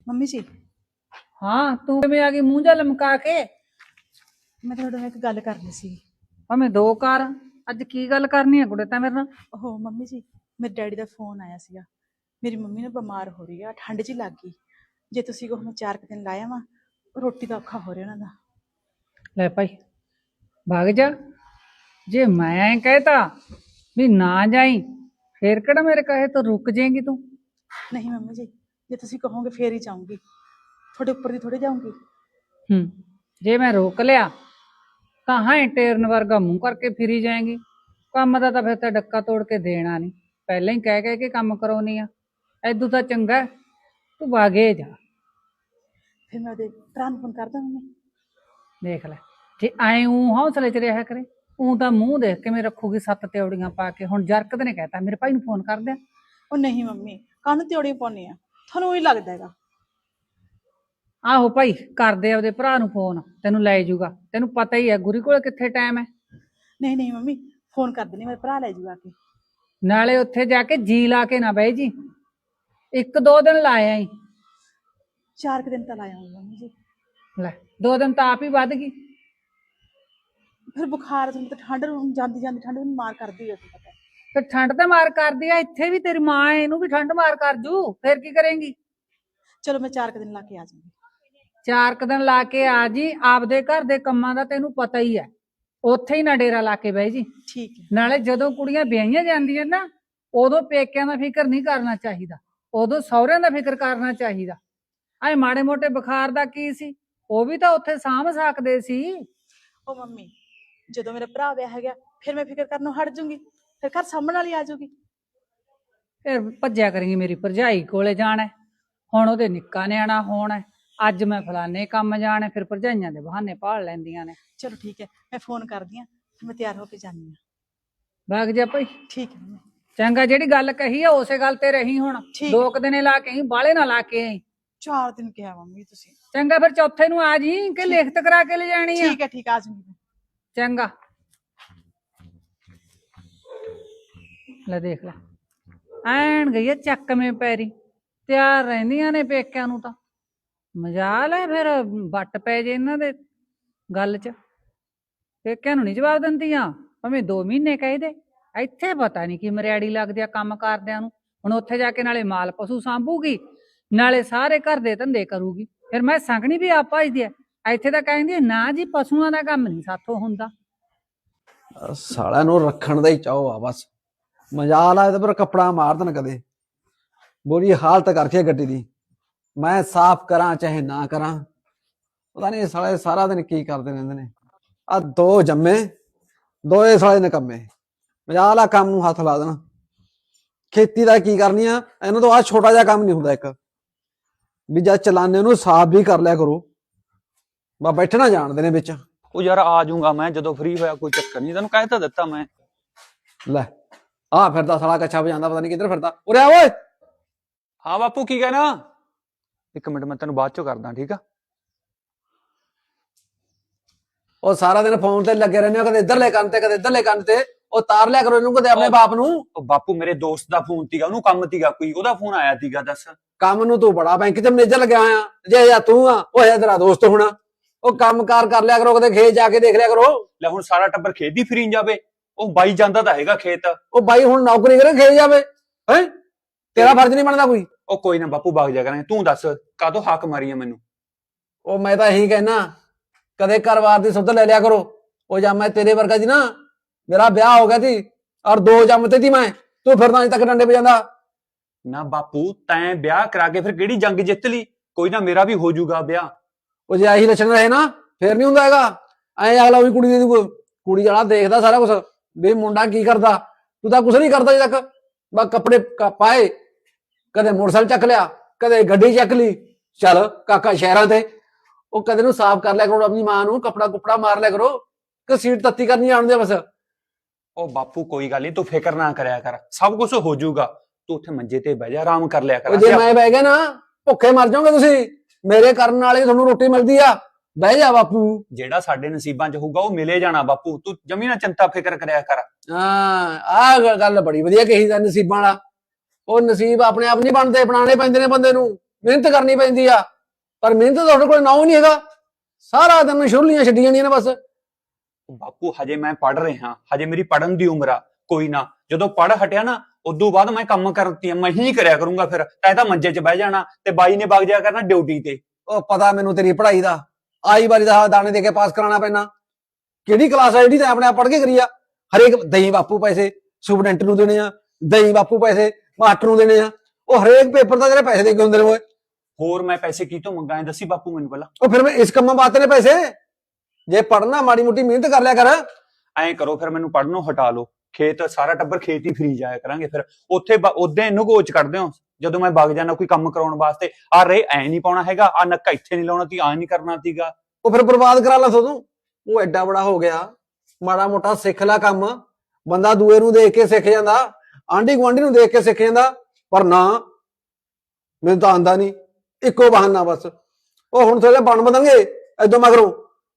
Mummy ਜੀ ਹਾਂ ਤੂੰ ਕਿਵੇਂ ਆ ਗਈ ਮੂੰਹ ਜਾ ਲਮਕਾ ਕੇ? ਮੈਂ ਤੁਹਾਡੇ ਨਾਲ ਇੱਕ ਗੱਲ ਕਰਨੀ ਸੀ। ਭਾਵੇਂ ਦੋ ਕਰ। ਅੱਜ ਕੀ ਗੱਲ ਕਰਨੀ ਹੈ ਕੁੜੇ ਤਾਂ ਮੇਰੇ ਨਾਲ? ਉਹ ਮੰਮੀ ਜੀ, ਮੇਰੇ ਡੈਡੀ ਦਾ ਫੋਨ ਆਇਆ ਸੀਗਾ। ਮੇਰੀ ਮੰਮੀ ਨਾ ਬਿਮਾਰ ਹੋ ਰਹੀ ਆ, ਠੰਡ ਜੀ ਲੱਗ ਗਈ। ਜੇ ਤੁਸੀਂ ਕਹੋ ਮੈਂ 4 ਦਿਨ ਲਾਇਆ ਵਾ, ਰੋਟੀ ਦਾ ਔਖਾ ਹੋ ਰਿਹਾ ਉਹਨਾਂ ਦਾ। ਲੈ ਭਾਈ ਭਾਗ ਜਾ। ਜੇ ਮੈਂ ਕਹਿਤਾ ਵੀ ਨਾ ਜਾਈ ਫੇਰ ਕਿਹੜਾ ਮੇਰੇ ਕਹੇ ਤੋਂ ਰੁਕ ਜਾਏਂਗੀ ਤੂੰ? ਨਹੀਂ ਮੰਮੀ ਜੀ, ਜੇ ਤੁਸੀਂ ਕਹੋਗੇ ਫੇਰ ਹੀ ਜਾਊਂਗੀ, ਤੁਹਾਡੇ ਉੱਪਰ ਦੀ ਥੋੜੀ ਜਾਊਂਗੀ। ਜੇ ਮੈਂ ਰੋਕ ਲਿਆ ਤਾਂ ਹਾਂ ਟੇਰਨ ਵਰਗਾ ਮੂੰਹ ਕਰਕੇ ਫਿਰੀ ਜਾਏਂਗੀ। ਕੰਮ ਦਾ ਤਾਂ ਫਿਰ ਤਾਂ ਡੱਕਾ ਤੋੜ ਕੇ ਦੇਣਾ ਨਹੀਂ, ਪਹਿਲਾਂ ਹੀ ਕਹਿ ਕੇ ਕੰਮ ਕਰਾਉਣੀ ਆ। ਐਦੂ ਤਾਂ ਚੰਗਾ ਤੂੰ ਭਾਗੇ ਜਾ। ਫਿਰ ਮੈਂ ਉਹਦੇ ਭਰਾ ਨੂੰ ਫੋਨ ਕਰਦਾ ਮੰਮੀ। ਦੇਖ ਲੈ, ਜੇ ਐਂ ਊਂ ਹੌਸਲੇ 'ਚ ਰਿਹਾ ਕਰੇ, ਊਂ ਤਾਂ ਮੂੰਹ ਦੇਖ ਕਿਵੇਂ ਰੱਖੂਗੀ 7 ਤਿਉੜੀਆਂ ਪਾ ਕੇ। ਹੁਣ ਜਰਕਤ ਨੇ ਕਹਿਤਾ ਮੇਰੇ ਭਾਈ ਨੂੰ ਫੋਨ ਕਰ ਦਿਆਂ। ਉਹ ਨਹੀਂ ਮੰਮੀ, ਕੰਨ ਤਿਉੜੀ ਪਾਉਣੀ ਆ, ਤੁਹਾਨੂੰ ਉਹੀ ਲੱਗਦਾ ਹੈਗਾ। ਆਹੋ ਭਾਈ ਕਰਦੇ ਆਪਦੇ ਭਰਾ ਨੂੰ ਫੋਨ, ਤੈਨੂੰ ਲੈ ਜਾਊਗਾ। ਤੈਨੂੰ ਪਤਾ ਹੀ ਹੈ ਗੁਰੀ ਕੋਲ ਕਿੱਥੇ ਟਾਈਮ ਹੈ। ਨਹੀਂ ਨਹੀਂ ਮੰਮੀ, ਫੋਨ ਕਰ ਦੇਣੀ, ਮੇਰਾ ਭਰਾ ਲੈ ਜਾਊਗਾ ਆ ਕੇ। ਨਾਲੇ ਉੱਥੇ ਜਾ ਕੇ ਜੀ ਲਾ ਕੇ ਨਾ ਬਹਿ ਜੀ, 1-2 ਦਿਨ ਲਾਇਆ ਹੀ। 4 ਦਿਨ ਤਾਂ ਲਾਇਆ ਹੋਊਗਾ ਮੰਮੀ ਜੀ। ਲੈ 2 ਦਿਨ ਤਾਂ ਆਪ ਹੀ ਵੱਧ ਗਈ। ਫਿਰ ਬੁਖਾਰ, ਤੁਹਾਨੂੰ ਤਾਂ ਠੰਡ ਨੂੰ ਜਾਂਦੀ ਜਾਂਦੀ ਠੰਡ ਨੂੰ ਮਾਰ ਕਰਦੀ ਹੈ, ਤੁਹਾਨੂੰ ਪਤਾ। ਫਿਰ ਠੰਡ ਤਾਂ ਮਾਰ ਕਰਦੀ ਆ, ਇੱਥੇ ਵੀ ਤੇਰੀ ਮਾਂ ਹੈ, ਇਹਨੂੰ ਵੀ ਠੰਡ ਮਾਰ ਕਰ ਜੂ। ਫਿਰ ਕੀ ਕਰੇਂਗੀ? ਚਲੋ ਮੈਂ 4 ਦਿਨ ਲਾ ਕੇ ਆ ਜਾਊਂਗੀ। 4 ਦਿਨ ਲਾ ਕੇ ਆ ਜੀ। ਆਪਦੇ ਘਰ ਦੇ ਕੰਮਾਂ ਦਾ ਤੈਨੂੰ ਪਤਾ ਹੀ ਹੈ, ਉੱਥੇ ਹੀ ਨਾ ਡੇਰਾ ਲਾ ਕੇ ਬਹਿ ਜੀ। ਠੀਕ ਹੈ। ਨਾਲੇ ਜਦੋਂ ਕੁੜੀਆਂ ਵਿਆਹੀਆਂ ਜਾਂਦੀਆਂ ਨਾ, ਉਦੋਂ ਪੇਕਿਆਂ ਦਾ ਫਿਕਰ ਨਹੀਂ ਕਰਨਾ ਚਾਹੀਦਾ, ਉਦੋਂ ਸਹੁਰਿਆਂ ਦਾ ਫਿਕਰ ਕਰਨਾ ਚਾਹੀਦਾ। ਐ ਮਾੜੇ ਮੋਟੇ ਬੁਖਾਰ ਦਾ ਕੀ ਸੀ, ਉਹ ਵੀ ਤਾਂ ਉੱਥੇ ਸਾਂਭ ਸਕਦੇ ਸੀ। ਉਹ ਮੰਮੀ, ਜਦੋਂ ਮੇਰਾ ਭਰਾ ਵਿਆਹ ਹੈਗਾ ਫਿਰ ਮੈਂ ਫਿਕਰ ਕਰਨੋਂ ਹਟ ਜੂੰਗੀ, ਫਿਰ ਘਰ ਸਾਂਭਣ ਵਾਲੀ ਆ ਜਾਊਗੀ। ਫਿਰ ਭੱਜਿਆ ਕरेंगी ਮੇਰੀ ਭਰਜਾਈ ਕੋਲੇ ਜਾਣਾ, ਹੁਣ ਉਹਦੇ ਨਿੱਕਾ ਨਿਆਣਾ ਹੋਣਾ, ਅੱਜ ਮੈਂ ਫਲਾਣੇ ਕੰਮ ਜਾਣਾ, ਫਿਰ ਭਰਜਾਈਆਂ ਦੇ ਬਹਾਨੇ ਭਾਲ ਲੈਂਦੀਆਂ ਨੇ। ਚਲੋ ਠੀਕ ਹੈ, ਮੈਂ ਫੋਨ ਕਰਦੀ ਹਾਂ, ਫਿਰ ਮੈਂ ਤਿਆਰ ਹੋ ਕੇ ਜਾਂਦੀ ਹਾਂ। ਵਗ ਜਾ ਭਾਈ। ਠੀਕ ਹੈ ਮੰਮੀ। ਚੰਗਾ, ਜਿਹੜੀ ਗੱਲ ਕਹੀ ਆ ਉਸੇ ਗੱਲ ਤੇ ਰਹੀ। ਹੁਣ ਠੀਕ। 2 ਦਿਨੇ ਲਾ ਕੇ ਆਈ, ਬਾਹਲੇ ਨਾ ਲਾ ਕੇ ਆਈ। 4 ਦਿਨ ਕਿਹਾ ਮੰਮੀ ਤੁਸੀਂ। ਚੰਗਾ, ਫਿਰ ਚੌਥੇ ਨੂੰ ਆ ਜੀ ਕਿ ਲਿਖਤ ਕਰਾ ਕੇ ਲੈ ਜਾਣੀ ਆ? ਠੀਕ ਹੈ ਠੀਕ, ਆ ਜਾਊਂਗੀ। ਚੰਗਾ। ਲੈ ਦੇਖ ਲੈ, ਐਨ ਗਈ ਆ ਚੱਕਵੇਂ ਪੈਰੀ, ਤਿਆਰ ਰਹਿੰਦੀਆਂ ਨੇ ਪੇਕਿਆਂ ਨੂੰ। ਤਾਂ ਮਜਾਲ ਹੈ ਫਿਰ ਵੱਟ ਪੈ ਜੇ ਇਹਨਾਂ ਦੇ ਗੱਲ 'ਚ। ਪੇਕਿਆਂ ਨੂੰ ਨਹੀਂ ਜਵਾਬ ਦਿੰਦੀਆਂ, ਭਾਵੇਂ 2 ਮਹੀਨੇ ਕਹੀ ਦੇ। ਇੱਥੇ ਪਤਾ ਨਹੀਂ ਕੀ ਮਰਿਆੜੀ ਲੱਗਦੀ ਆ ਕੰਮ ਕਰਦਿਆਂ ਨੂੰ। ਹੁਣ ਉੱਥੇ ਜਾ ਕੇ ਨਾਲੇ ਮਾਲ ਪਸ਼ੂ ਸਾਂਭੂਗੀ, ਨਾਲੇ ਸਾਰੇ ਘਰ ਦੇ ਧੰਦੇ ਕਰੂਗੀ। ਫਿਰ ਮੈਂ ਸੰਗਣੀ ਵੀ ਆਪ ਭਜਦੀ ਆ। ਇੱਥੇ ਤਾਂ ਕਹਿੰਦੀ ਨਾ ਜੀ, ਪਸ਼ੂਆਂ ਦਾ ਕੰਮ ਨਹੀਂ ਸਾਥੋਂ ਹੁੰਦਾ। ਸਾਲਿਆਂ ਨੂੰ ਰੱਖਣ ਦਾ ਹੀ ਚਾਹੋ ਆ ਬਸ। ਮਜਾਲ ਆਏ ਤਾਂ ਪਰ ਕੱਪੜਾ ਮਾਰ ਦੇਣ ਕਦੇ। ਬੁਰੀ ਹਾਲਤ ਕਰਕੇ ਗੱਡੀ ਦੀ, ਮੈਂ ਸਾਫ਼ ਕਰਾਂ ਚਾਹੇ ਨਾ ਕਰਾਂ। ਪਤਾ ਨਹੀਂ ਸਾਲੇ ਸਾਰਾ ਦਿਨ ਕੀ ਕਰਦੇ ਰਹਿੰਦੇ ਨੇ। ਆ 2 ਜੰਮੇ, 2 ਸਾਲੇ ਨਿਕੰਮੇ। ਮਜਾਲ ਆ ਕੰਮ ਨੂੰ ਹੱਥ ਲਾ ਦੇਣਾ। ਖੇਤੀ ਦਾ ਕੀ ਕਰਨੀ ਆ ਇਹਨਾਂ ਤੋਂ? ਆ ਛੋਟਾ ਜਿਹਾ ਕੰਮ ਨਹੀਂ ਹੁੰਦਾ ਇੱਕ ਵੀ ਜਦ ਚਲਾਨੇ ਉਹਨੂੰ ਸਾਫ਼ ਵੀ ਕਰ ਲਿਆ ਕਰੋ। ਬਾ ਬੈਠਣਾ ਜਾਣਦੇ ਨੇ ਵਿੱਚ। ਉਹ ਯਾਰ ਆ ਜਾਊਂਗਾ ਮੈਂ ਜਦੋਂ ਫ੍ਰੀ ਹੋਇਆ, ਕੋਈ ਚੱਕਰ ਨਹੀਂ, ਤੈਨੂੰ ਕਹਿ ਤਾਂ ਦਿੱਤਾ ਮੈਂ। ਲੈ ਆ ਫਿਰਦਾ ਸਾਲਾ ਕੱਛਾ ਵਜਾਂਦਾ, ਪਤਾ ਨਹੀਂ ਕਿੱਧਰ ਫਿਰਦਾ। ਉਰੇ ਆ ਓਏ। ਹਾਂ ਬਾਪੂ ਕੀ ਕਹਿਣਾ? 1 ਮਿੰਟ, ਮੈਂ ਤੈਨੂੰ ਬਾਅਦ ਚੋਂ ਕਰਦਾ, ਠੀਕ ਆ? ਉਹ ਸਾਰਾ ਦਿਨ ਫੋਨ ਤੇ ਲੱਗੇ ਰਹਿੰਦੇ ਹੋ, ਕਦੇ ਇੱਧਰਲੇ ਕੰਨ ਤੇ ਕਦੇ ਇੱਧਰਲੇ ਕੰਨ ਤੇ। ਉਹ ਤਾਰ ਲਿਆ ਕਰੋ ਇਹਨੂੰ ਕਦੇ ਆਪਣੇ ਬਾਪ ਨੂੰ। ਉਹ ਬਾਪੂ ਮੇਰੇ ਦੋਸਤ ਦਾ ਫੋਨ ਸੀਗਾ, ਉਹਨੂੰ ਕੰਮ ਸੀਗਾ ਕੋਈ, ਉਹਦਾ ਫੋਨ ਆਇਆ ਸੀਗਾ। ਦੱਸ। ਕੰਮ ਨੂੰ ਤੂੰ ਬੜਾ ਬੈਂਕ 'ਚ ਮੈਨੇਜਰ ਲੱਗਿਆ ਹੋਇਆ, ਜੇ ਜਾਂ ਤੂੰ ਆ ਉਹ ਹੈ ਤੇਰਾ ਦੋਸਤ ਹੋਣਾ। ਉਹ ਕੰਮ ਕਾਰ ਕਰ ਲਿਆ ਕਰੋ, ਕਦੇ ਖੇਤ ਜਾ ਕੇ ਦੇਖ ਲਿਆ ਕਰੋ। ਲੈ ਹੁਣ ਸਾਰਾ ਟੱਬਰ ਖੇਤ ਦੀ ਫਰੀ ਜਾਵੇ? ਉਹ ਬਾਈ ਜਾਂਦਾ ਤਾਂ ਹੈਗਾ ਖੇਤ। ਉਹ ਬਾਈ ਹੁਣ ਨੌਕਰੀ ਕਰੇ ਖੇਤ ਜਾਵੇ ਹੈ? ਤੇਰਾ ਫਰਜ਼ ਨਹੀਂ ਬਣਦਾ ਕੋਈ? ਉਹ ਕੋਈ ਨਾ ਬਾਪੂ, ਵਗ ਜਾ ਕਰਾਂਗੇ। ਤੂੰ ਦੱਸ ਕਾਹਤੋਂ ਹਾਕ ਮਾਰੀ ਆ ਮੈਨੂੰ? ਉਹ ਮੈਂ ਤਾਂ ਇਹੀ ਕਹਿਣਾ, ਕਦੇ ਘਰ-ਬਾਰ ਦੀ ਸੁੱਧ ਲੈ ਲਿਆ ਕਰੋ। ਉਹ ਜਾਂ ਮੈਂ ਤੇਰੇ ਵਰਗਾ ਸੀ ਨਾ, ਮੇਰਾ ਵਿਆਹ ਹੋ ਗਿਆ ਸੀ ਔਰ 2 ਜੰਮਤੇ ਸੀ ਮੈਂ, ਤੂੰ ਫਿਰਦਾ ਅਜੇ ਤੱਕ ਡੰਡੇ ਵਜਾਂਦਾ। ਨਾ ਬਾਪੂ, ਤੈਂ ਵਿਆਹ ਕਰਾ ਕੇ ਫਿਰ ਕਿਹੜੀ ਜੰਗ ਜਿੱਤ ਲਈ? ਕੋਈ ਨਾ, ਮੇਰਾ ਵੀ ਹੋ ਜਾਊਗਾ ਵਿਆਹ। ਉਹ ਜੇ ਆਹੀ ਲੱਛਣ ਰਹੇ ਨਾ ਫੇਰ ਨਹੀਂ ਹੁੰਦਾ ਹੈਗਾ। ਐ ਅਗਲਾ ਉਹੀ ਕੁੜੀ ਦੀ ਕੁੜੀ ਵਾਲਾ ਦੇਖਦਾ ਸਾਰਾ ਕੁਛ ਵੀ ਮੁੰਡਾ ਕੀ ਕਰਦਾ। ਤੂੰ ਤਾਂ ਕੁਛ ਨਹੀਂ ਕਰਦਾ ਅਜੇ ਤੱਕ। ਬਸ ਕੱਪੜੇ ਪਾਏ, ਕਦੇ ਮੋਟਰਸਾਈਕਲ ਚੱਕ ਲਿਆ, ਕਦੇ ਗੱਡੀ ਚੱਕ ਲਈ। ਚੱਲ ਕਾਕਾ ਸ਼ਹਿਰਾਂ ਤੇ। ਉਹ ਕਦੇ ਨੂੰ ਸਾਫ਼ ਕਰ ਲਿਆ ਕਰੋ ਆਪਣੀ ਮਾਂ ਨੂੰ, ਕੱਪੜਾ ਕੁਪੜਾ ਮਾਰ ਲਿਆ ਕਰੋ ਕਿ ਸੀਟ ਤੱਤੀ ਕਰਨੀ ਜਾਣਦੇ ਬਸ। ਉਹ ਬਾਪੂ ਕੋਈ ਗੱਲ ਨਹੀਂ, ਤੂੰ ਫਿਕਰ ਨਾ ਕਰਿਆ ਕਰ, ਸਭ ਕੁਝ ਹੋ ਜਾਊਗਾ। ਤੂੰ ਉੱਥੇ ਮੰਜੇ ਤੇ ਬਹਿ ਜਾ, ਆਰਾਮ ਕਰ ਲਿਆ ਕਰ। ਜੇ ਮੈਂ ਬਹਿ ਗਿਆ ਨਾ ਭੁੱਖੇ ਮਰ ਜਾਓਗੇ ਤੁਸੀਂ। ਮੇਰੇ ਕਰਨ ਵਾਲੇ ਤੁਹਾਨੂੰ ਰੋਟੀ ਮਿਲਦੀ ਆ। ਬਹਿ ਜਾ ਬਾਪੂ। ਜਿਹੜਾ ਸਾਡੇ ਨਸੀਬਾਂ 'ਚ ਹੋਊਗਾ ਉਹ ਮਿਲੇ ਜਾਣਾ ਬਾਪੂ, ਤੂੰ ਜਮੀ ਨਾ ਚਿੰਤਾ ਫਿਕਰ ਕਰਿਆ ਕਰ। ਹਾਂ, ਆਹ ਗੱਲ ਬੜੀ ਵਧੀਆ ਕਹੀ ਦਾ, ਨਸੀਬਾਂ ਵਾਲਾ। ਉਹ ਨਸੀਬ ਆਪਣੇ ਆਪ ਨਹੀਂ ਬਣਦੇ, ਬਣਾਉਣੇ ਪੈਂਦੇ ਨੇ ਬੰਦੇ ਨੂੰ। ਮਿਹਨਤ ਕਰਨੀ ਪੈਂਦੀ ਆ, ਪਰ ਮਿਹਨਤ ਤਾਂ ਤੁਹਾਡੇ ਕੋਲ ਨਾ ਹੀ ਨਹੀਂ ਹੈਗਾ। ਸਾਰਾ ਦਿਨ ਸ਼ੁਰਲੀਆਂ ਛੱਡੀ ਜਾਂਦੀਆਂ ਨੇ ਬਸ। ਬਾਪੂ ਹਜੇ ਮੈਂ ਪੜ ਰਿਹਾ, ਹਜੇ ਮੇਰੀ ਪੜਨ ਦੀ ਉਮਰ ਆ। ਕੋਈ ਨਾ, ਜਦੋਂ ਪੜ ਹਟਿਆ ਨਾ ਉਦੋਂ ਬਾਅਦ ਮੈਂ ਕੰਮ ਕਰਤੀ ਮੈਂ ਹੀ ਕਰਿਆ ਕਰੂੰਗਾ। ਫਿਰ ਤੈਂ ਤਾਂ ਮੰਜੇ 'ਚ ਬਹਿ ਜਾਣਾ ਤੇ ਬਾਈ ਨੇ ਵਗ ਜਾਇਆ ਕਰਨਾ ਡਿਊਟੀ ਤੇ। ਉਹ ਪਤਾ ਮੈਨੂੰ ਤੇਰੀ ਪੜ੍ਹਾਈ ਦਾ, ਆਈ ਵਾਰੀ ਦਾ ਦਾਣੇ ਦੇ ਕੇ ਪਾਸ ਕਰਾਉਣਾ ਪੈਣਾ। ਕਿਹੜੀ ਕਲਾਸ ਆ ਜਿਹੜੀ ਤੈਂ ਆਪਣੇ ਆਪ ਪੜ੍ਹ ਕੇ ਕਰੀ ਆ? ਹਰੇਕ ਦਈ ਬਾਪੂ ਪੈਸੇ ਸੁਪਰਡੈਂਟ ਨੂੰ ਦੇਣੇ ਆ, ਦਈ ਬਾਪੂ ਪੈਸੇ ਮਾਸਟਰ ਨੂੰ ਦੇਣੇ ਆ। ਉਹ ਹਰੇਕ ਪੇਪਰ ਦਾ ਤੇਰੇ ਪੈਸੇ ਦੇ ਕੇ ਹੁੰਦੇ ਨੇ ਓਏ। ਹੋਰ ਮੈਂ ਪੈਸੇ ਕੀ ਤੋਂ ਮੰਗਾਂ ਦੱਸੀ ਬਾਪੂ ਮੈਨੂੰ ਪਹਿਲਾਂ। ਉਹ ਫਿਰ ਮੈਂ ਇਸ ਕੰਮਾਂ ਵਾਸਤੇ ਨੇ ਪੈਸੇ। ਜੇ ਪੜਨਾ ਮਾੜੀ ਮੋਟੀ ਮਿਹਨਤ ਕਰ ਲਿਆ ਕਰ। ਐਂ ਕਰੋ ਫਿਰ ਮੈਨੂੰ ਪੜਨੋਂ ਹਟਾ ਲਓ। ਖੇਤ ਸਾਰਾ ਟੱਬਰ ਖੇਤ ਹੀ ਫਰੀ ਜਾਇਆ ਕਰਾਂਗੇ। ਫਿਰ ਉੱਥੇ ਉਦਾਂ ਇਹਨੂੰ ਗੋਚ ਕੱਢਦੇ ਹੋ ਜਦੋਂ ਮੈਂ ਵਗ ਜਾਣਾ ਕੋਈ ਕੰਮ ਕਰਾਉਣ ਵਾਸਤੇ। ਆ ਰੇ ਐ ਨਹੀਂ ਪਾਉਣਾ ਹੈਗਾ, ਆ ਨੱਕਾ ਇੱਥੇ ਨਹੀਂ ਲਾਉਣਾ ਤੀ, ਆ ਨਹੀਂ ਕਰਨਾ ਸੀਗਾ। ਉਹ ਫਿਰ ਬਰਬਾਦ ਕਰਾ ਲਾ ਤੂੰ। ਉਹ ਐਡਾ ਬੜਾ ਹੋ ਗਿਆ, ਮਾੜਾ ਮੋਟਾ ਸਿੱਖ ਲੈ ਕੰਮ। ਬੰਦਾ ਦੂਏ ਨੂੰ ਦੇਖ ਕੇ ਸਿੱਖ ਜਾਂਦਾ, ਆਂਢੀ ਗੁਆਂਢੀ ਨੂੰ ਦੇਖ ਕੇ ਸਿੱਖ ਜਾਂਦਾ। ਪਰ ਨਾ, ਮੈਨੂੰ ਤਾਂ ਆਂਦਾ ਨਹੀਂ, ਇੱਕੋ ਬਹਾਨਾ ਬਸ। ਉਹ ਹੁਣ ਥੋੜੇ ਬਣ ਬਦਲਣਗੇ ਏਦੋਂ ਮਗਰੋਂ।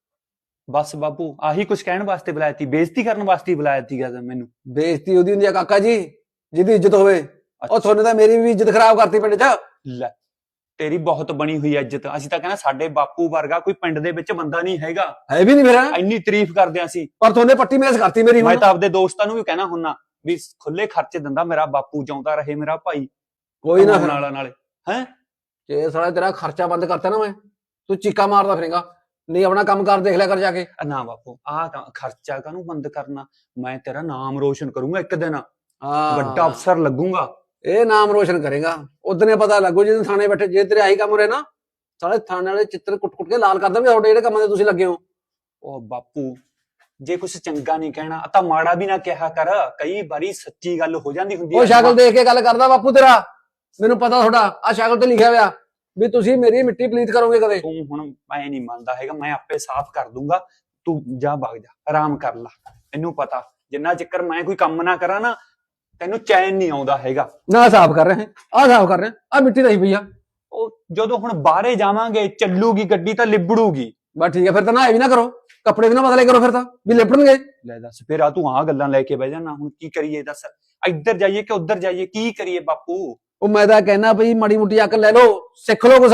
ਬਸ ਬਾਪੂ ਆਹੀ ਕੁਝ ਕਹਿਣ ਵਾਸਤੇ ਬੁਲਾਇਆ ਤੀ, ਬੇਇੱਜ਼ਤੀ ਕਰਨ ਵਾਸਤੇ ਹੀ ਬੁਲਾਇਆ ਸੀਗਾ ਮੈਨੂੰ। ਬੇਇੱਜ਼ਤੀ ਉਹਦੀ ਹੁੰਦੀ ਆ ਕਾਕਾ ਜੀ ਜਿਹਦੀ ਇੱਜ਼ਤ ਹੋਵੇ। ਉਹ ਤੁਹਾਨੂੰ ਤਾਂ ਮੇਰੀ ਵੀ ਇੱਜ਼ਤ ਖਰਾਬ ਕਰਤੀ ਪਿੰਡ 'ਚ। ਲੈ ਤੇਰੀ ਬਹੁਤ ਬਣੀ ਹੋਈ ਇੱਜ਼ਤ। ਅਸੀਂ ਤਾਂ ਕਹਿੰਦਾ ਸਾਡੇ ਬਾਪੂ ਵਰਗਾ ਕੋਈ ਪਿੰਡ ਦੇ ਵਿੱਚ ਬੰਦਾ ਨਹੀਂ ਹੈਗਾ। ਹੈ ਵੀ ਨਹੀਂ ਮੇਰਾ, ਇੰਨੀ ਤਾਰੀਫ ਕਰਦੇ ਆਂ ਅਸੀਂ। ਪਰ ਤੁਹਾਨੇ ਪੱਟੀ ਮੇਜ਼ ਕਰਤੀ ਮੇਰੀ। ਮੈਂ ਤਾਂ ਆਪਦੇ ਦੋਸਤਾਂ ਨੂੰ ਵੀ ਕਹਿਣਾ ਹੁੰਨਾ ਵੀ ਖੁੱਲੇ ਖਰਚੇ ਦਿੰਦਾ ਮੇਰਾ ਬਾਪੂ, ਜਿਉਂਦਾ ਰਹੇ ਮੇਰਾ ਭਾਈ। ਕੋਈ ਨਾ ਨਾਲੇ ਹੈ ਜੇ ਸਾਲਾ ਤੇਰਾ ਖਰਚਾ ਬੰਦ ਕਰਤਾ ਨਾ, ਮੈਂ ਤੂੰ ਚੀਕਾ ਮਾਰਦਾ ਫਿਰੇਗਾ। ਨਹੀਂ ਆਪਣਾ ਕੰਮ ਕਰ ਦੇਖ ਲਿਆ ਕਰ ਜਾ ਕੇ। ਨਾ ਬਾਪੂ ਆਹ ਖਰਚਾ ਕਾਹਨੂੰ ਬੰਦ ਕਰਨਾ, ਮੈਂ ਤੇਰਾ ਨਾਮ ਰੋਸ਼ਨ ਕਰੂੰਗਾ ਇੱਕ ਦਿਨ। ਹਾਂ, ਵੱਡਾ ਅਫਸਰ ਲੱਗੂੰਗਾ। ਇਹ ਨਾਮ ਰੋਸ਼ਨ ਕਰੇਗਾ। ਉਦਨੇ ਪਤਾ ਲੱਗੂ ਜਦੋਂ ਥਾਣੇ ਬੈਠੇ। ਜੇ ਤੇਰੇ ਆਹੀ ਕੰਮ ਰਹੇ ਨਾ, ਸਾਲੇ ਥਾਣੇ ਵਾਲੇ ਚਿੱਤਰ ਕੁੱਟ ਕੇ ਲਾਲ ਕਰ ਦੇਣਗੇ ਤੁਹਾਡੇ ਜਿਹੜੇ ਕੰਮਾਂ ਦੇ ਤੁਸੀਂ ਲੱਗੇ ਹੋ। ਉਹ ਬਾਪੂ ਜੇ ਕੁਛ ਚੰਗਾ ਨਹੀਂ ਕਹਿਣਾ ਤਾਂ ਮਾੜਾ ਵੀ ਨਾ ਕਿਹਾ ਕਰ। ਕਈ ਵਾਰੀ ਸੱਚੀ ਗੱਲ ਹੋ ਜਾਂਦੀ ਹੁੰਦੀ ਉਹ ਸ਼ਕਲ ਦੇਖ ਕੇ ਗੱਲ ਕਰਦਾ ਬਾਪੂ ਤੇਰਾ। ਮੈਨੂੰ ਪਤਾ ਤੁਹਾਡਾ ਆਹ ਸ਼ਕਲ ਤੇ ਲਿਖਿਆ ਹੋਇਆ ਵੀ ਤੁਸੀਂ ਮੇਰੀ ਮਿੱਟੀ ਪਲੀਤ ਕਰੋਗੇ ਕਦੇ। ਤੂੰ ਹੁਣ ਮੈਂ ਨਹੀਂ ਮੰਨਦਾ ਹੈਗਾ, ਮੈਂ ਆਪੇ ਸਾਫ਼ ਕਰ ਦੂੰਗਾ। ਤੂੰ ਜਾ ਵਗ ਜਾ, ਆਰਾਮ ਕਰ ਲਾ। ਤੈਨੂੰ ਪਤਾ ਜਿੰਨਾ ਚਿਰ ਮੈਂ ਕੋਈ ਕੰਮ ਨਾ ਕਰਾਂ ਨਾ ਤੈਨੂੰ ਚੈਨ ਨਹੀਂ ਆਉਂਦਾ ਹੈਗਾ। ਨਾ ਸਾਫ਼ ਕਰ ਰਹੇ, ਆਹ ਸਾਫ਼ ਕਰ ਰਹੇ, ਆਹ ਮਿੱਟੀ ਨਹੀਂ ਪਈ ਆ। ਉਹ ਜਦੋਂ ਹੁਣ ਬਾਹਰੇ ਜਾਵਾਂਗੇ ਚੱਲੂਗੀ ਗੱਡੀ ਤਾਂ ਲਿਬੜੂਗੀ। ਬਸ ਠੀਕ ਹੈ, ਫਿਰ ਤਾਂ ਨਾ ਇਹ ਵੀ ਨਾ ਕਰੋ, ਕੱਪੜੇ ਵੀ ਨਾ ਬਦਲੇ ਕਰੋ, ਫਿਰ ਤਾਂ ਵੀ ਲਿਪਟਣਗੇ। ਲੈ ਦੱਸ ਫਿਰ ਆ ਤੂੰ ਆਹ ਗੱਲਾਂ ਲੈ ਕੇ ਬਹਿ ਜਾਣਾ। ਹੁਣ ਕੀ ਕਰੀਏ ਦੱਸ, ਇੱਧਰ ਜਾਈਏ ਕਿ ਉੱਧਰ ਜਾਈਏ, ਕੀ ਕਰੀਏ ਬਾਪੂ? ਉਹ ਮੈਂ ਤਾਂ ਕਹਿਣਾ ਭਈ ਮਾੜੀ ਮੋਟੀ ਅਕਲ ਲੈ ਲਓ, ਸਿੱਖ ਲਓ ਕੁਛ।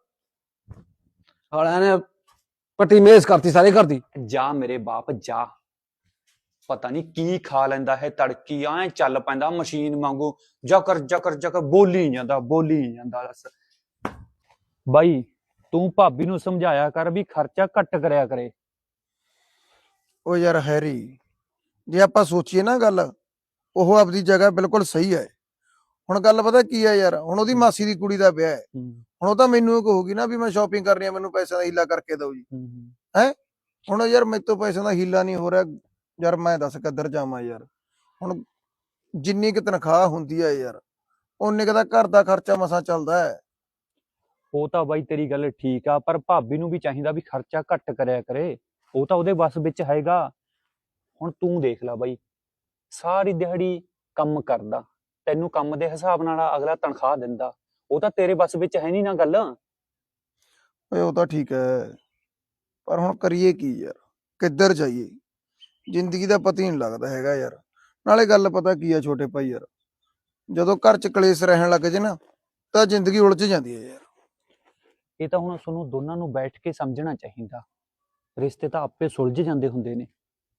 ਸਾਲਿਆਂ ਨੇ ਪੱਟੀ ਮੇਜ਼ ਕਰਤੀ ਸਾਰੇ ਘਰ ਦੀ। ਜਾ ਮੇਰੇ ਬਾਪ ਜਾ, ਪਤਾ ਨਹੀਂ ਕੀ ਖਾ ਲੈਂਦਾ ਹੈ ਤੜਕੀ, ਐ ਚੱਲ ਪੈਂਦਾ ਮਸ਼ੀਨ ਵਾਂਗੂ, ਜਕਰ ਜਕਰ ਜਕਰ ਬੋਲੀ ਜਾਂਦਾ ਦੱਸ। ਬਾਈ ਤੂੰ ਭਾਬੀ ਨੂੰ ਸਮਝਾਇਆ ਕਰ ਵੀ ਖਰਚਾ ਘੱਟ ਕਰਿਆ ਕਰੇ। ਉਹ ਯਾਰ ਹੈਰੀ, ਜੇ ਆਪਾਂ ਸੋਚੀਏ ਨਾ ਗੱਲ, ਉਹ ਆਪਦੀ ਜਗ੍ਹਾ ਬਿਲਕੁਲ ਸਹੀ ਹੈ। ਹੁਣ ਗੱਲ ਪਤਾ ਕੀ ਹੈ ਯਾਰ, ਹੁਣ ਉਹਦੀ ਮਾਸੀ ਦੀ ਕੁੜੀ ਦਾ ਵਿਆਹ ਹੈ। ਹੁਣ ਉਹ ਤਾਂ ਮੈਨੂੰ ਇਹ ਕਹੂਗੀ ਨਾ ਵੀ ਮੈਂ ਸ਼ਾਪਿੰਗ ਕਰਨੀ ਆ, ਮੈਨੂੰ ਪੈਸਿਆਂ ਦਾ ਹੀਲਾ ਕਰਕੇ ਦਿਓ ਜੀ। ਹੁਣ ਯਾਰ ਮੇਰੇ ਤੋਂ ਪੈਸਿਆਂ ਦਾ ਹੀਲਾ ਨਹੀਂ ਹੋ ਰਿਹਾ ਯਾਰ, ਮੈਂ ਦੱਸ ਕਿੱਧਰ ਜਾਵਾਂ ਯਾਰ। ਹੁਣ ਜਿੰਨੀ ਕੁ ਤਨਖਾਹ ਹੁੰਦੀ ਹੈ ਯਾਰ, ਉਨੇ ਕੁ ਦਾ ਘਰ ਦਾ ਖਰਚਾ ਮਸਾਂ ਚੱਲਦਾ ਹੈ। ਉਹ ਤਾਂ ਬਾਈ ਤੇਰੀ ਗੱਲ ਠੀਕ ਆ, ਪਰ ਭਾਬੀ ਨੂੰ ਵੀ ਚਾਹੀਦਾ ਵੀ ਖਰਚਾ ਘੱਟ ਕਰਿਆ ਕਰੇ। ਉਹ ਤਾਂ ਉਹਦੇ ਵੱਸ ਵਿੱਚ ਹੈਗਾ। ਹੁਣ ਤੂੰ ਦੇਖ ਲੈ ਬਾਈ, ਸਾਰੀ ਦਿਹਾੜੀ ਕੰਮ ਕਰਦਾ, ਤੈਨੂੰ ਕੰਮ ਦੇ ਹਿਸਾਬ ਨਾਲ ਅਗਲਾ ਤਨਖਾਹ ਦਿੰਦਾ। ਉਹ ਤਾਂ ਤੇਰੇ ਵੱਸ ਵਿੱਚ ਹੈ ਨਹੀਂ ਨਾ ਗੱਲ। ਓਏ ਉਹ ਤਾਂ ਠੀਕ ਹੈ, ਪਰ ਹੁਣ ਕਰੀਏ ਕੀ ਯਾਰ, ਕਿੱਧਰ ਜਾਈਏ? ਜ਼ਿੰਦਗੀ ਦਾ ਪਤਾ ਹੀ ਨਹੀਂ ਲੱਗਦਾ ਹੈਗਾ ਯਾਰ। ਨਾਲੇ ਗੱਲ ਪਤਾ ਕੀ ਆ ਛੋਟੇ ਭਾਈ ਯਾਰ, ਜਦੋਂ ਘਰ ਚ ਕਲੇਸ਼ ਰਹਿਣ ਲੱਗ ਜੇ ਨਾ ਤਾਂ ਜ਼ਿੰਦਗੀ ਉਲਝ ਜਾਂਦੀ ਹੈ ਯਾਰ। ਇਹ ਤਾਂ ਹੁਣ ਤੁਹਾਨੂੰ ਦੋਨਾਂ ਨੂੰ ਬੈਠ ਕੇ ਸਮਝਣਾ ਚਾਹੀਦਾ। ਰਿਸ਼ਤੇ ਤਾਂ ਆਪੇ ਸੁਲਝ ਜਾਂਦੇ ਹੁੰਦੇ ਨੇ।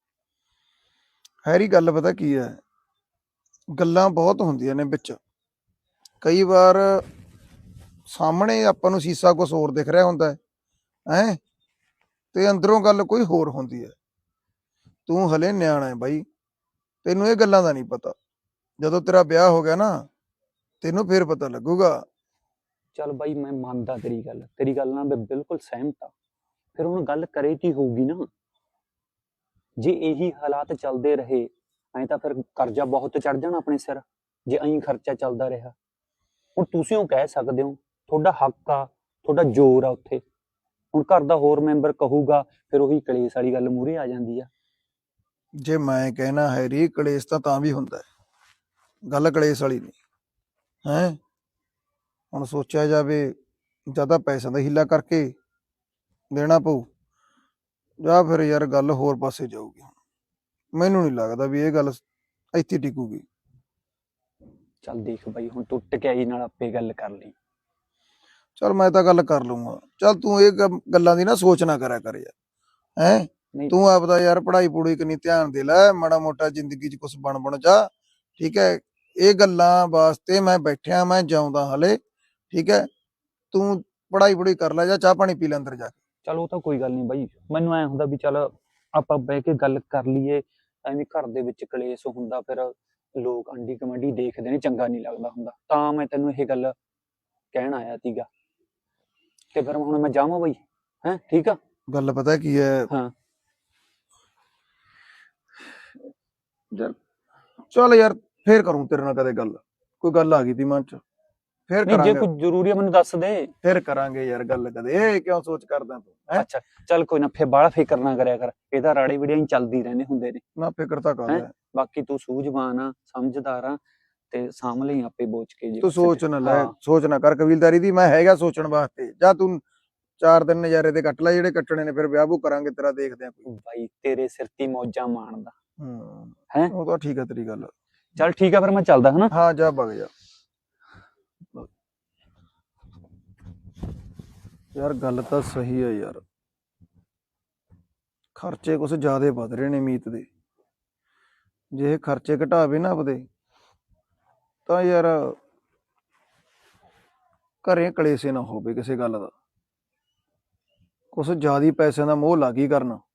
ਹੈਰੀ ਗੱਲ ਪਤਾ ਕੀ ਹੈ, ਗੱਲਾਂ ਬਹੁਤ ਹੁੰਦੀਆਂ ਨੇ ਵਿੱਚ। ਕਈ ਵਾਰ ਸਾਹਮਣੇ ਆਪਾਂ ਨੂੰ ਸੀਸਾ ਕੁਛ ਹੋਰ ਦਿਖ ਰਿਹਾ ਹੁੰਦਾ ਹੈ ਤੇ ਅੰਦਰੋਂ ਗੱਲ ਕੋਈ ਹੋਰ ਹੁੰਦੀ ਹੈ। ਤੂੰ ਹਲੇ ਨਿਆਣਾ ਹੈ ਬਾਈ, ਤੈਨੂੰ ਇਹ ਗੱਲਾਂ ਦਾ ਨਹੀਂ ਪਤਾ। ਜਦੋਂ ਤੇਰਾ ਵਿਆਹ ਹੋ ਗਿਆ ਨਾ ਤੈਨੂੰ ਫੇਰ ਪਤਾ ਲੱਗੂਗਾ। ਚੱਲ ਬਾਈ ਮੈਂ ਮੰਨਦਾ ਤੇਰੀ ਗੱਲ ਨਾਲ ਮੈਂ ਬਿਲਕੁਲ ਸਹਿਮਤ ਆ। ਫਿਰ ਹੁਣ ਗੱਲ ਕਰੇ ਕੀ ਹੋਊਗੀ ਨਾ। ਜੇ ਇਹੀ ਹਾਲਾਤ ਚੱਲਦੇ ਰਹੇ ਐਂ ਤਾਂ ਫਿਰ ਕਰਜ਼ਾ ਬਹੁਤ ਚੜ ਜਾਣਾ ਆਪਣੇ ਸਿਰ, ਜੇ ਐਂ ਖਰਚਾ ਚੱਲਦਾ ਰਿਹਾ। ਹੁਣ ਤੁਸੀਂ ਉਹ ਕਹਿ ਸਕਦੇ ਹੋ, ਤੁਹਾਡਾ ਹੱਕ ਆ, ਤੁਹਾਡਾ ਜ਼ੋਰ ਆ ਉੱਥੇ। ਹੁਣ ਘਰ ਦਾ ਹੋਰ ਮੈਂਬਰ ਕਹੂਗਾ, ਫਿਰ ਉਹੀ ਕਲੇਸ਼ ਵਾਲੀ ਗੱਲ ਮੂਹਰੇ ਆ ਜਾਂਦੀ ਆ। ਜੇ ਮੈਂ ਕਹਿਣਾ ਹੈਰੀ, ਕਲੇਸ਼ ਤਾਂ ਵੀ ਹੁੰਦਾ ਹੈ, ਗੱਲ ਕਲੇਸ਼ ਵਾਲੀ ਨਹੀਂ ਹੈ। ਹੁਣ ਸੋਚਿਆ ਜਾਵੇ, ਜਾਂ ਤਾਂ ਪੈਸਿਆਂ ਦਾ ਹੀਲਾ ਕਰਕੇ ਦੇਣਾ ਪਊ, ਜਾਂ ਫਿਰ ਯਾਰ ਗੱਲ ਹੋਰ ਪਾਸੇ ਜਾਊਗੀ। ਮੈਨੂੰ ਨਹੀਂ ਲੱਗਦਾ ਵੀ ਇਹ ਗੱਲ ਇੱਥੇ ਟਿਕੂਗੀ। ਚੱਲ ਦੇਖ ਬਾਈ, ਹੁਣ ਤੂੰ ਟਕਿਆਈ ਨਾਲ ਆਪੇ ਗੱਲ ਕਰ ਲਈ। ਚਲ ਮੈਂ ਤਾਂ ਗੱਲ ਕਰ ਲੂੰਗਾ। ਚਲ ਤੂੰ ਇਹ ਗੱਲਾਂ ਦੀ ਨਾ ਸੋਚ ਨਾ ਕਰਿਆ ਕਰ ਯਾਰ। ਹੈ ਨਹੀਂ ਤੂੰ ਆਪਦਾ ਯਾਰ ਪੜ੍ਹਾਈ ਪੂੜੀ ਕਨੀ ਧਿਆਨ ਦੇ ਲੈ, ਮਾੜਾ ਮੋਟਾ ਜ਼ਿੰਦਗੀ 'ਚ ਕੁਝ ਬਣ ਜਾ। ਠੀਕ ਹੈ, ਇਹ ਗੱਲਾਂ ਵਾਸਤੇ ਮੈਂ ਬੈਠਿਆ, ਮੈਂ ਜਾਉਂਦਾ ਹਲੇ। ਠੀਕ ਹੈ, ਤੂੰ ਪੜ੍ਹਾਈ ਪੂੜੀ ਕਰ ਲੈ, ਜਾਂ ਚਾਹ ਪਾਣੀ ਪੀ ਲੈ ਅੰਦਰ ਜਾ ਕੇ। ਚਲ ਉਹ ਤਾਂ ਕੋਈ ਗੱਲ ਨਹੀਂ ਬਾਈ, ਮੈਨੂੰ ਐ ਹੁੰਦਾ ਵੀ ਚੱਲ ਆਪਾਂ ਬਹਿ ਕੇ ਗੱਲ ਕਰ ਲਈਏ। ਐਵੇਂ ਘਰ ਦੇ ਵਿੱਚ ਕਲੇਸ਼ ਹੁੰਦਾ, ਫਿਰ ਲੋਕ ਆਂਢੀ ਗੁਆਂਢੀ ਦੇਖਦੇ ਨੇ, ਚੰਗਾ ਨਹੀਂ ਲੱਗਦਾ ਹੁੰਦਾ। ਤਾਂ ਮੈਂ ਤੈਨੂੰ ਇਹ ਗੱਲ ਕਹਿਣ ਆਇਆ ਸੀਗਾ। ਤੇ ਫਿਰ ਹੁਣ ਮੈਂ ਜਾਵਾਂ ਬਾਈ? ਹੈ ਠੀਕ ਆ। ਗੱਲ ਪਤਾ ਕੀ ਹੈ ਹਾਂ ਯਾਰ, ਚੱਲ ਯਾਰ ਫੇਰ ਕਰੂੰ ਤੇਰੇ ਨਾਲ ਕਦੇ ਗੱਲ। ਕੋਈ ਗੱਲ ਆ ਗਈ ਤੀ ਮਨ 'ਚ, ਫੇਰ ਨਹੀਂ, ਜੇ ਕਰਾਂਗੇ। ਕੋਈ ਜ਼ਰੂਰੀ ਆ ਮੈਨੂੰ ਦੱਸ ਦੇ। ਫੇਰ ਕਰਾਂਗੇ ਯਾਰ ਗੱਲ ਕਦੇ। ਇਹ ਕਿਉਂ ਸੋਚ ਕਰਦਾ ਤੂੰ? ਹੈਂ? ਅੱਛਾ ਚੱਲ ਕੋਈ ਨਾ, ਫਿਰ ਬਾਹਲਾ ਫਿਕਰ ਨਾ ਕਰਿਆ ਕਰ। ਇਹਦਾ ਰਾੜੇ ਵੀੜੀਆਂ ਹੀ ਚੱਲਦੀ ਰਹਿੰਦੇ ਹੁੰਦੇ ਨੇ। ਨਾ ਫਿਕਰ ਤਾਂ ਕਰ ਹੈਂ? ਲੈ। ਬਾਕੀ ਤੂੰ ਸੂਝਵਾਨ ਆ, ਸਮਝਦਾਰ ਆ, ਤੇ ਸਾਂਭ ਲਈ ਆਪੇ ਬੋਝ ਕੇ ਜੇ ਤੂੰ ਕਿਸੇ ਤੇ। ਸੋਚ ਨਾ ਲੈ, ਹਾਂ, ਸੋਚ ਨਾ ਕਰ ਕਬੀਲਦਾਰੀ ਦੀ। ਮੈਂ ਹੈਗਾ ਸੋਚਣ ਵਾਸਤੇ। ਜਾਂ ਤੂੰ 4 ਦਿਨ ਨਜ਼ਾਰੇ ਤੇ ਕੱਟ ਲੈ ਜਿਹੜੇ ਕੱਟਣੇ ਨੇ, ਫਿਰ ਵਿਆਹ ਵੂ ਕਰਾਂਗੇ ਤੇਰਾ, ਦੇਖਦੇ ਆ ਕੋਈ। ਬਾਈ ਤੇਰੇ ਸਿਰ ਤੇ ਮੌਜਾਂ ਮਾਣਦਾ। ਹੈਂ? ਉਹ ਤਾਂ ਠੀਕ ਹੈ ਤੇਰੀ ਗੱਲ। ਚੱਲ ਠੀਕ ਆ, ਫਿਰ ਮੈਂ ਚੱਲਦਾ ਹਨਾ। ਹਾਂ ਜਾ ਵਗ ਜਾ। ਯਾਰ ਗੱਲ ਤਾਂ ਸਹੀ ਹੈ ਯਾਰ, ਖਰਚੇ ਕੁਛ ਜ਼ਿਆਦੇ ਵੱਧ ਰਹੇ ਨੇ ਮੀਤ ਦੇ। ਜੇ ਇਹ ਖਰਚੇ ਘਟਾਵੇ ਨਾ ਆਪਦੇ, ਤਾਂ ਯਾਰ ਘਰੇ ਕਲੇਸ਼ ਨਾ ਹੋਵੇ ਕਿਸੇ ਗੱਲ ਦਾ। ਕੁਛ ਜ਼ਿਆਦੀ ਪੈਸਿਆਂ ਦਾ ਮੋਹ ਲੱਗ ਹੀ ਕਰਨਾ।